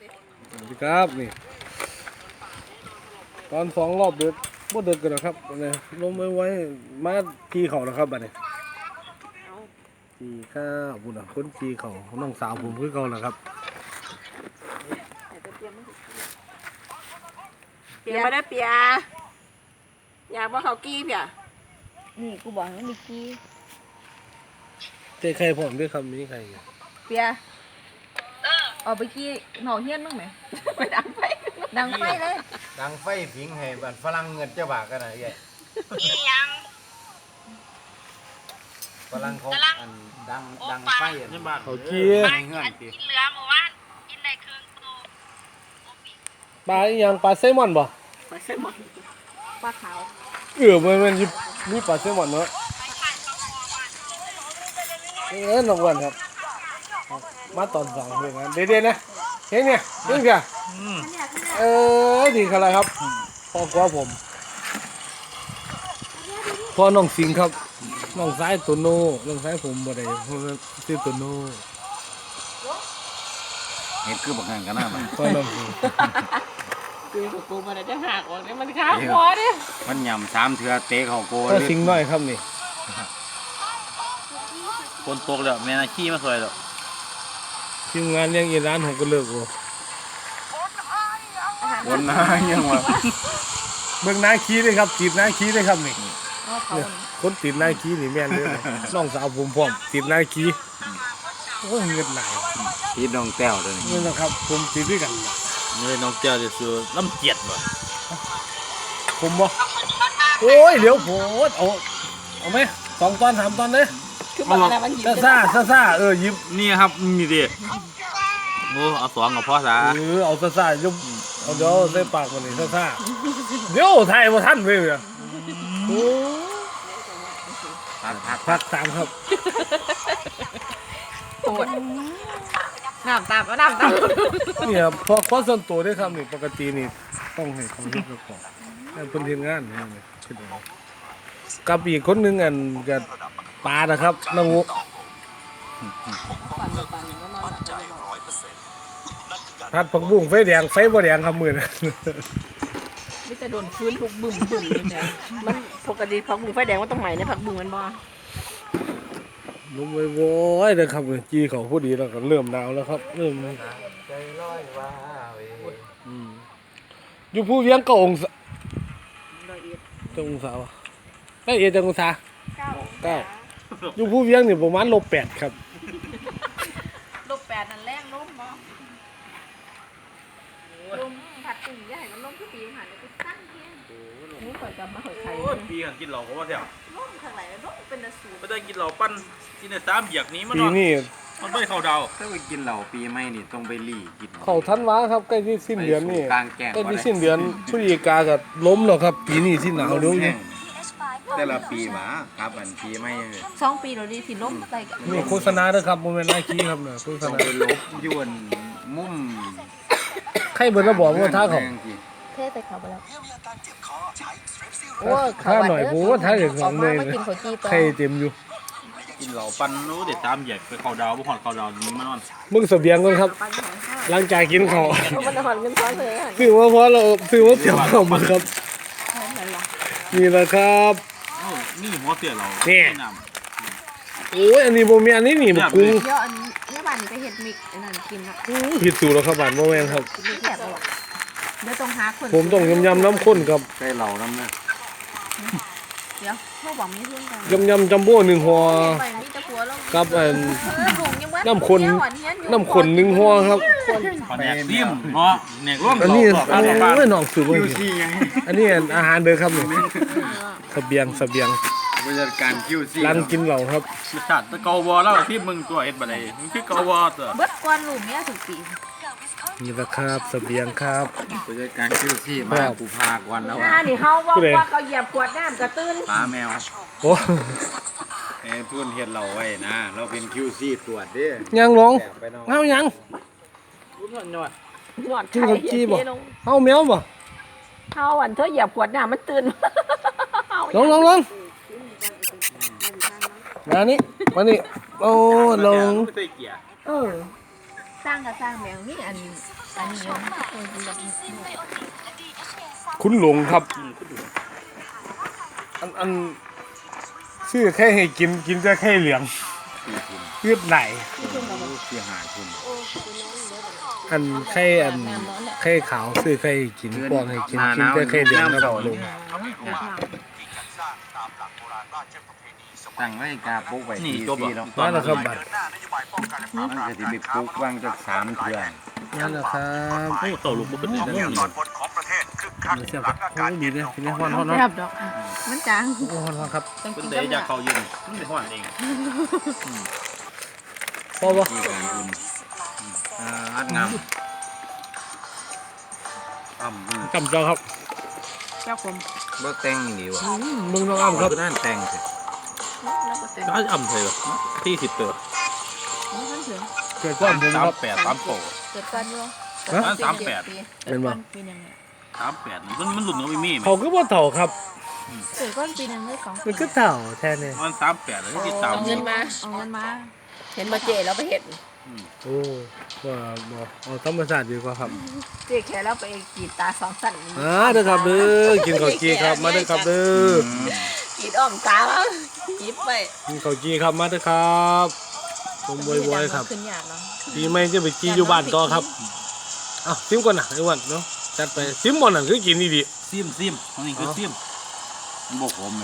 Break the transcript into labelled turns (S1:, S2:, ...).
S1: สวัสดีครับนี่ตอนสองรอบเดือดบ่เดือดกันนะครับเนี่ยลงไว้มาทีเขานะครับบัดนี้ทีข้าวบุญคนทีเขาน้องสาวผมคือเขาแหละครับ
S2: เปียมาได้เปียอยากว่าเขากี้เปีย
S3: นี่กูบอกให้มิกกี้
S1: เจ๊ใครผมด้วยคำนี้ใคร
S3: เปียเอาไปกี้หน่อเฮี้ยนบ้างไหม
S2: ไปดังไฟ
S3: ดังไฟเลย
S4: ดังไฟผิงให้บันฝรั่งเงินเจ้าบ่ากันนะไอ้ฝรั่งเขาอันดังไฟอันนี้บ้าน
S1: เขาเกี้ย
S4: ในเงื่อนติ
S5: กินเหลือเมื่อวานกินได้ครึ่งตัว
S1: ปลาอีหยังปลาแซลมอนบ่
S2: ไปเส้นหมด
S3: ปลาขาว
S1: มันมีปลาแซลมอนเนาะน้องอ้วันครับ มาตอนสองเพื่อนเด็ดๆนะเฮ้ยเนี่ยเฮ้ยเพียดีขนาดไรครับพ่อกว่าผมพ่อน้องสิงห์ครับน้องซ้ายตัวโน่น้องซ้ายผมบ่ได้เพราะว่าชื่อตัวโน่
S4: เห็ดคือบักงันกันนะมัน
S1: พ่อน้องสิงห์
S2: คือกูมันจะหักออกเนี่ยมันข้าวหัวเนี่ย
S4: มันยำสามเถื่อเตะเขาโก
S1: พ่อสิงห์น้อยครับนี่
S6: คนตกแล้วแม่นาขี้มาสวยแล้ว
S1: ทีมงานเลี้ยงอีร้านผมก็เลิกโอ้
S4: วันหน้ายังวะ
S1: เบิ่งนาคีเลยครับติดนาคีเลยครับนี่
S3: เอาเขา
S1: เนี่ยคนติดนาคีนี่แม่นเลยนะน้องสาวผมพร้อมติดนาคีโอ้ยเงินหลาย
S4: พี่น้องแต้วเลย
S1: นี่นะครับผมติดด้วยกัน
S6: นี่น้องเจ้าจะซื้อลำเจียดบ่
S1: ผมบ่โอ้ยเดี๋ยวโผดเอาไหม2 ตอน 3 ตอนเลย
S2: คือมันอะไรมันหยิบ
S1: ซ่าหยิบ
S6: นี่ครับนี่ดิโอ้เอา2กับพ่อซะ
S1: เอาซ่าๆยกเอาเดี๋ยวใส่ปากมันนี่ซ่าๆเดี๋ยวไทยบ่ทันเว้ยเนี่ยโอ้
S4: พัก
S1: พัก3ครับ
S2: ปวดน้ำตาก็น้ำตา
S1: เนี่ยพอข้อส่วนตัวได้ครับนี่ปกตินี่ต้องให้เขาเฮ็ดกับของให้เพิ่นเฮ็ดงานนี่คิดเอากับอีกคนหนึงอันก็ปลานะครับน้องอุผัดผักบุ้งไฟแดงไฟบ่แดงครับมื้อนั้น
S2: ไม่จะโดนฟื้นทุกบึ้มเนี่ยมันปกติผักบุ้งไฟแดงว่าต้องใหม่ในผักบุ้งมันบ่
S1: ลงไปโว้ยเด้อครับจีเขาพอดีแล้วก็เริ่มหนาวแล้วครับเริ่ม
S4: ใจร้อยว่าเว้ย
S1: อยู่ผู้เวียงก็องศาจังองศาวะได้เอจังองศา9อยู่ผู้เวียงนี่ประมาณ-8ครับ
S3: -8นั่นแรงล้มบ่ลมผัดตึงอย่าให้มันล้มทุกปีหันไปตั้งเพียง
S2: นี่ข่อยกลับมาข่อยไข่
S6: โอ้ยปีกันกินเหล้าก็ว่าแถว
S3: ล้มข้างไหนล้มเป็นสูตร
S6: ไม่ได้กินเหล้าปั้นกินใน3เหยียกนี้มัน
S1: ปี
S6: นอน
S1: นี้
S6: มันไม่เข้าดาว
S4: ถ้าไปกินเหล้าปีใหม่นี่ต้องไปรีกิน
S1: เขาทันวาครับใกล้ที่สิ้นเดือนนี่
S4: กลางแจ้ง
S1: ใกล้ที่สิ้นเดือนพฤศจิกาก็ล้มแล้วครับ ปีนี้ที่หนาวเร็วนี่
S4: แต่ละปีหมาครับอันปีใหม่
S3: 2 ปีเราดีที่ล้มไปกัน
S1: นี่โฆษณาเด้อครับบ่แม่นนาคีครับเนี่ยโฆษ
S4: ต้อง
S1: ณา
S4: ไปลบยวนมุม
S1: ใครเบิ่นแล้วบอกว่าท่าเขา
S3: เทใส่เขาไปแล้ว
S1: ถ้าหน่อยผมว่าถ้าอย่างสองเมตร
S3: มากินข้าวจีต่อ
S1: ใครเต็มอยู่
S6: กินเหล้าปั้นรู้เด็ด3เหยียกไปเข้าดาวบ่ฮอดเข้าดาวนี้มันนอน
S1: มึงเสบียงก่อนครับ หลังจากกินข้าว
S2: มันหอนเงินซ้อนเลยอ่ะ
S1: ซื้อมาเพราะเราซื้อมาเตรียมข้าวมาครับ นี่แหละครับ
S6: โอ้นี่หัวเสียเรา
S1: นี่
S6: น้
S1: โอ้ยอันนี้โมเมนอันนี้นี่บักกุ้ง
S3: เดี๋ยวอันนี้บ้านนี่ไปเฮ็ดมิกอันนั้นกินละ
S1: ผิดสูตรแล้วครับบ้านโมเมนครับ
S3: มิกแซ่บบ่เดี๋ยวต้องหาคน
S1: ผมต้องยำน้ำข้นครับ
S4: ใส่เหล้าน้ำนะ
S3: เดี๋ยวพวกบอกมีเพื่อนกัน
S1: ยำจัมโบ้1ห่อ
S3: ไปมีแต่ผัวแล้ว
S1: กับอัน
S3: ลุงยังว่า
S1: น้ำข้น1ห่อครับ
S6: ำขอแนกซิมเนาะแนกร่วม
S1: อันนี้
S6: เหล้าบ้าน
S1: โอ้ยน้องซื้อมา
S4: คิว
S1: อีก
S4: ซี่ยัง
S1: อันนี้อาหารเด้อครับนี่เสบียง
S4: บริการคิวซี่
S1: ร้านกินเหล้าครับ
S6: รสชาติตะเกาบอแล้วที่มึงตัวเอ็ดบ่ได้มึงคือเกาบอตัว
S3: เบิดกวนลุงเนี่ยทุกปี
S1: นี่แหละครับเสบียงครับ
S4: บริการคิวซี่มากูพากวันแล้ว
S2: นี่เขาบอกว่าเขาเหยียบขวดน้ำกระตื้น
S4: ปลาแมว
S1: โอ้
S4: ทุนเฮ็ดเราไว้นะ เราเป็นคิวซี่ตรวจดิ
S1: ยังลง
S4: ไปน้อง
S1: เฮายัง
S6: รุ่นหน่อย
S2: หยอด
S1: กิน
S2: ไข่
S1: กับจีบ่ เฮาแมวบ่
S2: เขาอันเธอเหยียบขวดน้ำมันตื่น
S1: ลงมานี่โอ้ลง
S6: ไม่ใส่เกียร์
S2: เออ
S3: สร้างกับสร้างแมวนี่อันนี้เนาะแบบ
S1: คุณหลงครับ อันชื่อแค่ให้กินจะแค่เหลืองเลือดไหล
S4: เสียหายคุณ
S1: อันแค่แค่ขาวซื้อแค่ให้กินป้อนให้กินจะแค่เหลืองครับหลง
S4: ตั้งไว้กาปุ๊กไว้
S6: นี่
S4: ที
S6: จบ
S4: ที
S6: แล้ว
S4: เนาะ
S1: นั่นแหละครับบัตร
S4: มันก็สิไปปุ๊กวางจาก3เทื่อ
S1: นั่นแหละครับ
S6: โอ้ต่อลูกบ่เป็นได้แล้วนี่
S1: เสียบครับโอ้ดีเลยทีนี้ฮอนฮอน
S2: แซ่บดอกมันจาง
S1: โอ้ฮอนฮอนครับ
S2: ต้อง
S6: เพิ่
S2: กิ
S6: น
S2: น
S6: ได้
S2: กับ
S6: จากเขายืนมันได้ฮ้อนเอง
S1: พอปะ
S4: ที่การอุ่นอัดงาม
S1: กำจอครับ
S2: เจ้าผม
S4: บ่แต่งนี่ว่ะ
S1: มึงน้องอ้ำครับ
S4: คือนั่นแต่งสิ
S2: แล้วก็เต็ม
S6: ก็อ่ำไทยเหรอที่10เด้อ
S2: นี่ท่านถึง
S1: เกิดก้อนผมครับ
S6: 38 3โต
S3: เกิดกันอยู่
S1: ฮะ
S6: 38
S1: เป็นบ่
S3: ปีหนึ่ง
S6: 38นี่มันหลุดเนาะไม่มีแม่
S1: เขาก็บ่เถ่าครับ
S3: เกิดก้อนปีหนึ่งได้2
S1: มันก็เถ่าแท้เนี่ย
S6: มัน38แล้วที่ตาม
S2: เอาเงินมา
S3: เอาเงินมา
S2: เห็นมาเจแล้วไปเห็น
S1: โอ้ว่าบ่เอาธรรมชาติดีกว่าครับ
S2: เจ๊แค่แล้วไปกรีดตา2สั่น
S1: เด้อครับเด้อกินข้าวจีครับมาเด้อครับเด้อก
S2: รีดอ้อมตาแล้วยิบไป
S1: กินข้าวจีครับมาเด้อครับผมบวยๆครับ
S3: ขึ้นหยาดเนาะ
S1: ปีใหม่จะไปจีอยู่บ้านต่อครับเอ้าซิมก่อนนะไอ้วันเนาะจัดไปซิมบ่นั่นคือกินดี
S6: ซิมอันนี้คือซิม
S4: มันบ่ขม